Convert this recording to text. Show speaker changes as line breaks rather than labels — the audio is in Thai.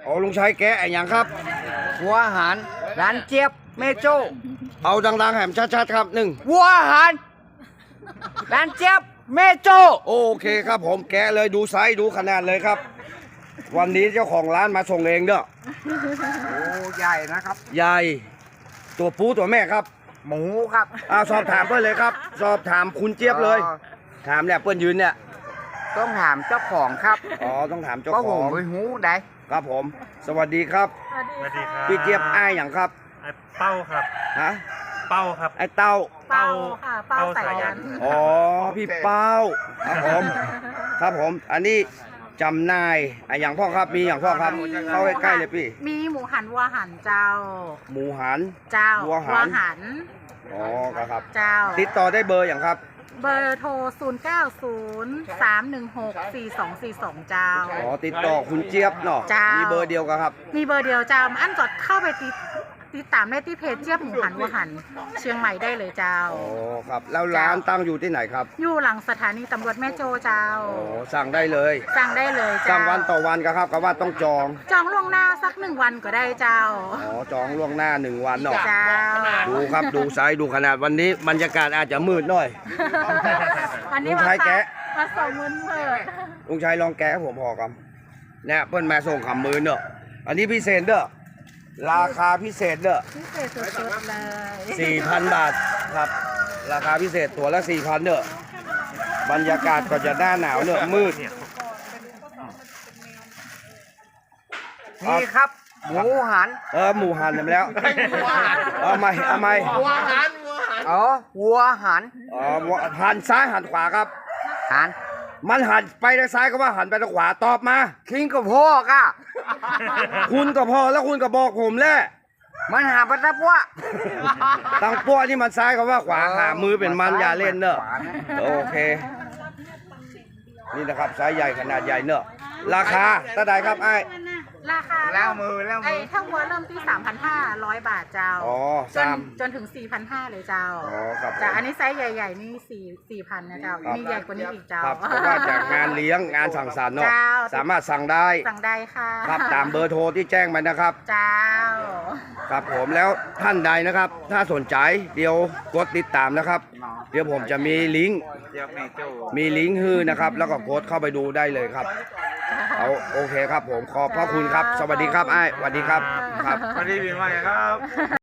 อ๋อลุงชัยแกะไอ้หยังครับ
วัวหารร้านเจี๊ยบเมโจ้
เอาดังๆแหมชัดๆครับหนึ่ง
วัวหารร้านเจี๊ยบเมโจ้
โอเคครับผมแกะเลยดูไซส์ดูขนาดเลยครับ วันนี้เจ้าของร้านมาส่งเองเด้อ
โอ้ใหญ่นะครับ
ยายตัวปูตัวแม่ครับ
หมูครับ
สอบถามเพื่อนเลยครับ สอบถามคุณเจี๊ยบเลย ถามเนี่ยเพื่อนยืนเนี่ย
ต้องถามเจ้าของครับ
อ๋อต้องถามเจ้า
ก็
ข
ผ
อ
ม
ง
ไปหูได้
ครับผม สวัสดีครับ
สวัสดีครับ
พี่เจี๊ยบอ้ายอย่างครับ
ไอ้เป้าครับ
ฮะ
เป้าครับ
ไอ้เต้า
เป้าค่ะเป้าสายัน
อ๋อพี่เป้าครับผม ครับผม อันนี้จำนายไอ้อย่างพ่อครับมีอย่างพ่อครับเข้าใกล้ๆเลยพี่
มีหมูหันวัวหันเจ้า
หมูหัน
เจ้า
วัวหัน
หัน
อ๋อครับ
เจ้า
ติดต่อได้เบอร์อย่างครับ
เบอร์โทร 0903164242 เจ้า
อ๋อติดต่อคุณเจี๊ยบเนาะ
จ้ามี
มีเบอร์เดียวกันครับ
มีเบอร์เดียวเจ้าอันจดเข้าไปติดตามได้ที่เพจเจี๊ยบหมูหันวัวหัน เชียงใหม่ได้เลยเจ้า
อ๋อครับ แล้วร้านตั้งอยู่ที่ไหนครับ
อยู่หลังสถานีตำรวจแม่โจ้เจ้า
อ๋อสั่งได้เลย
สั่งได้เลยเจ้า
สั่งวันต่อวันครับก็ว่าต้องจอง
จองล่วงหน้าสัก1 วันก็ได้เจ้า
อ๋อจองล่วงหน้า1 วันเนาะ
เจ้า
ดูครับดูไซส์ดูขนาดวันนี้บรรยากาศอาจจะมืดหน่อย
วันนี้
ลุงชัยแกะ
มาส่งมือเปิด
ลุงชัยลองแกะให้ผมพอครับเนี่ยเพิ่นมาส่งคำมือเนอะอันนี้พิเศษเด้อราคาพิเศษเด้อ
พิเศษสุดๆเลย
4,000 บาทครับ ราคาพิเศษตัวละ 4,000เนอะบรรยากาศก็จะหน้าหนาวเนอะมืด
นี่ครับ หมูหัน
หมูหันไปแล้วเอาใหม่
อ๋อวัวหัน
หันซ้ายหันขวาครับ
หัน
มันหันไปทางซ้ายก็ว่าหันไปทางขวาตอบมา
คิงกับพ่อกอ่ะ
คุณก็พอแล้วคุณก็บอกผมแหละ
มันหาปัตตะปัว
ตังปั้วที่มันซ้ายก็ว่าขวาหามือเป็นมันอย่าเล่นเนอะโอเค นี่นะครับไซส์ใหญ่ขนาดใหญ่เนอะราคาเท่าไหร่ครับไอ้
ราคา
แล้วมือ
ไอ้ถ้าวัวเริ่มที่ 3,500 บาทเจ้า
อ๋อ
จนถึง 4,500 เลยเจ้า
อ๋อครับ
จ้าอันนี้ไซส์ใหญ่ๆนี่4,000นะเจ้า
ครับ
มีใหญ่กว่านี้อีกเจ้า
ครับเพราะว่าจากงานเลี้ยงงานสั่งสรรค์เนาะ
เจ้า
สามารถสั่งได้
สั่งได้ค่ะ
ครับตามเบอร์โทรที่แจ้งมานะครับ
เจ้า
ครับผมแล้วท่านใดนะครับ ถ้าสนใจเดี๋ยวกดติดตามนะครับ เดี๋ยวผมจะมีลิงก์ฮือนะครับ แล้วก็กดเข้าไปดูได้เลยครับเอาโอเคครับผมขอบพระคุณครับ สวัสดีครับไอ้ายสวัสดีครับครับ
สวัสดีปีใหม่ครับ